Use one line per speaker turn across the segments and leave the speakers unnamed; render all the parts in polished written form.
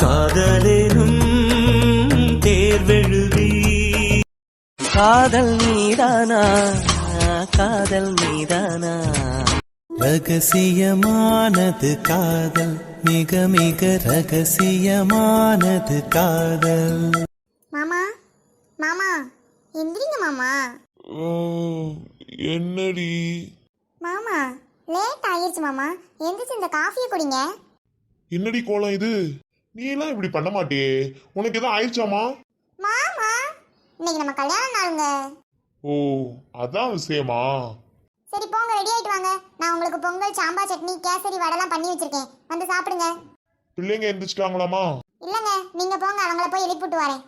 காதலேனும் தேர்வெழுதி காதல் மீதானா காதல் மீதானா ரகசியமானது காதல் மிக மிக ரகசியமானது காதல்.
மாமா மாமா எந்திரிங்க மாமா.
என்னடி
மாமா லேட் ஆயிடுச்சு மாமா, எந்திரிச்சு இந்த காஃபியை குடிங்க.
என்னடி கோலம் இது? நீ எல்லாம் இப்படி பண்ண மாட்டியே. உனக்கு எதாவது ஆயிடுச்சாமா?
மாமா இன்னைக்கு நம்ம கல்யாண நாளுங்க.
ஓ அதான் விஷயமா?
சரி போங்க, ரெடி ஆயிட்டு வாங்க. நான் உங்களுக்கு பொங்கல், சாம்பார் சட்னி, கேசரி, வடைலாம் பண்ணி வச்சிருக்கேன், வந்து சாப்பிடுங்க.
பிள்ளைங்க எந்திரிச்சிட்டாங்களாமா?
இல்லங்க, நீங்க போங்க, அவங்கள போய் எழுப்பிட்டு வரேன்.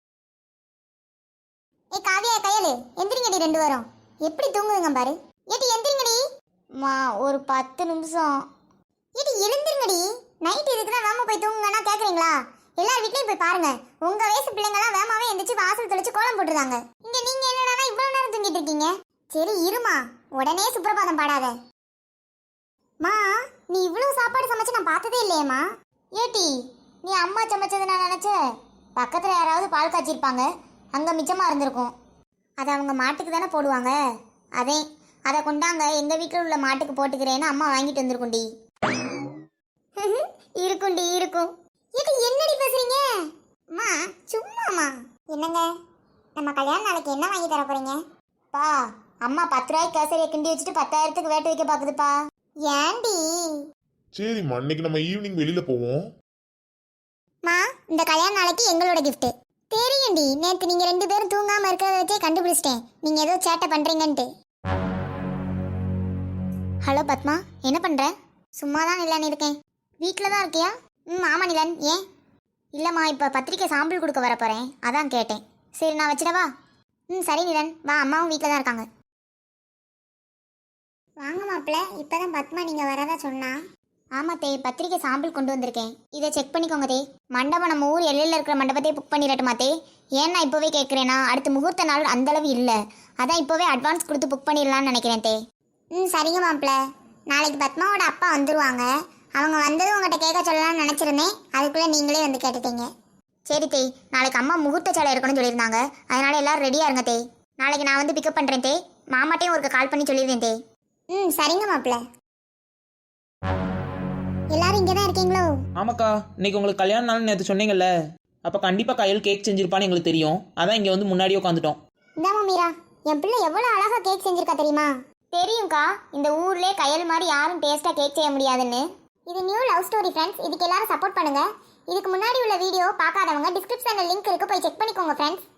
ஏ காவியா, கையலு எந்திரிங்கடி, ரெண்டு வரும் எப்படி தூங்குதுங்க பாரு. ஏடி எந்திரிங்கடி. மா ஒரு 10 நிமிஷம். ஏடி எழுந்திருங்கடி, நைட் இதுக்குதான் வேமா போய் தூங்குங்கன்னா கேக்குறீங்களா? எல்லார் வீட்லயும் போய் பாருங்க, உங்க வயசு பிள்ளைங்கலாம் வேமாவே எந்திரிச்சு வாசல் தெளிச்சு கோலம் போட்டுருந்தாங்க. இங்க நீங்க என்னடா இவ்வளவு நேரம் தூங்கிட்டு இருக்கீங்க? சரி இருமா, உடனே சுப்ரபாதம் பாடாத. மா நீ இவ்வளவு சாப்பாடு சமைச்சு நான் பார்த்ததே இல்லையேம்மா. ஏட்டி நீ அம்மா சமைச்சது நான் நினைச்ச, பக்கத்துல யாராவது பால் காய்ச்சிருப்பாங்க, அங்க மிச்சமா இருந்திருக்கும். அதை அவங்க மாட்டுக்கு தானே போடுவாங்க, அதை கொண்டாங்க எங்க வீட்டில் உள்ள மாட்டுக்கு போட்டுக்கிறேன்னு அம்மா வாங்கிட்டு வந்திருக்குண்டி. இருக்குண்டி இருக்கும். இது என்னடி பேசுறீங்க? அம்மா சும்மாமா. என்னங்க நம்ம கல்யாண நாளைக்கு என்ன வாங்கி தர போறீங்க? பா அம்மா 10 ரூபாய்க்கு கேசரியை கிண்டி வச்சுட்டு 10,000க்கு வேட்டு வைக்க பாக்குதுப்பா. ஏண்டி?
சரிம்மா, இன்னைக்கு நம்ம ஈவினிங் வெளியில போவோம்.
மா இந்த கல்யாண நாளைக்கு எங்களோட கிஃப்ட். தெரியும்டி, நேற்று நீங்க 2 பேரும் தூங்காம இருக்கிறத வச்சே கண்டுபிடிச்சிட்டேன் நீங்க ஏதோ சேட்டை பண்றீங்கன்ட்டு. ஹலோ பத்மா, என்ன பண்ற? சும்மா தான் நிலன் இருக்கேன். வீட்டில் தான் இருக்கியா? ஆமா நிலன். ஏன்? இல்லைம்மா, இப்போ பத்திரிக்கை சாம்பிள் கொடுக்க வர போகிறேன், அதான் கேட்டேன். சரி நான் வச்சிடவா? சரி நிலன், வா, அம்மாவும் வீட்டில் தான் இருக்காங்க. வாங்க மாப்பிள்ள, இப்போ தான் பத்மா நீங்கள் வரதா சொன்னா. ஆமாம் தே, பத்திரிக்கை சாம்பிள் கொண்டு வந்திருக்கேன், இதை செக் பண்ணிக்கோங்க தே. மண்டபம் நம்ம ஊர் எல்லையில் இருக்கிற மண்டபத்தை புக் பண்ணிடட்டுமா தே? ஏன் நான் இப்போவே கேட்குறேன்னா, அடுத்த முகூர்த்த நாள் அந்தளவு இல்லை, அதான் இப்போவே அட்வான்ஸ் கொடுத்து புக் பண்ணிடலான்னு நினைக்கிறேன் தே. சரிங்க மாப்பிள்ள, நாளைக்கு பத்மாவோட அப்பா வந்துடுவாங்க, அவங்க வந்ததும் உங்கள்கிட்ட கேட்க சொல்லலாம்னு நினச்சிருந்தேன், அதுக்குள்ளே நீங்களே வந்து கேட்டுட்டீங்க. சரி தே, நாளைக்கு அம்மா முகூர்த்த சேலை இருக்கணும்னு சொல்லியிருந்தாங்க, அதனால எல்லாரும் ரெடியாக இருங்க தே. நாளைக்கு நான் வந்து பிக்கப் பண்ணுறேன் தே, மாமாட்டையும் ஒரு கால் பண்ணி சொல்லிடுவேன் தே. சரிங்க மாப்பிள்ள. எல்லாரும் இங்கே தான் இருக்கீங்களோ?
ஆமாக்கா, இன்னைக்கு உங்களுக்கு கல்யாண நாள்னு நேற்று சொன்னீங்கல்ல, அப்போ கண்டிப்பாக கையில் கேக் செஞ்சிருப்பான்னு எங்களுக்கு தெரியும், அதான் இங்கே வந்து முன்னாடியே உட்காந்துட்டோம்.
இந்தாமா மீரா, என் பிள்ளை எவ்வளோ அழகாக கேக் செஞ்சிருக்கா தெரியுமா? தெரியும்க்கா, இந்த ஊர்லேயே கையல் மாதிரி யாரும் டேஸ்ட்டாக கேக் செய்ய முடியாதுன்னு. இது நியூ லவ் ஸ்டோரி ஃப்ரெண்ட்ஸ், இதுக்கு எல்லாரும் சப்போர்ட் பண்ணுங்க. இதுக்கு முன்னாடி உள்ள வீடியோ பார்க்காதவங்க டிஸ்கிரிப்ஷனில் லிங்க் இருக்கு, போய் செக் பண்ணிக்கோங்க ஃப்ரெண்ட்ஸ்.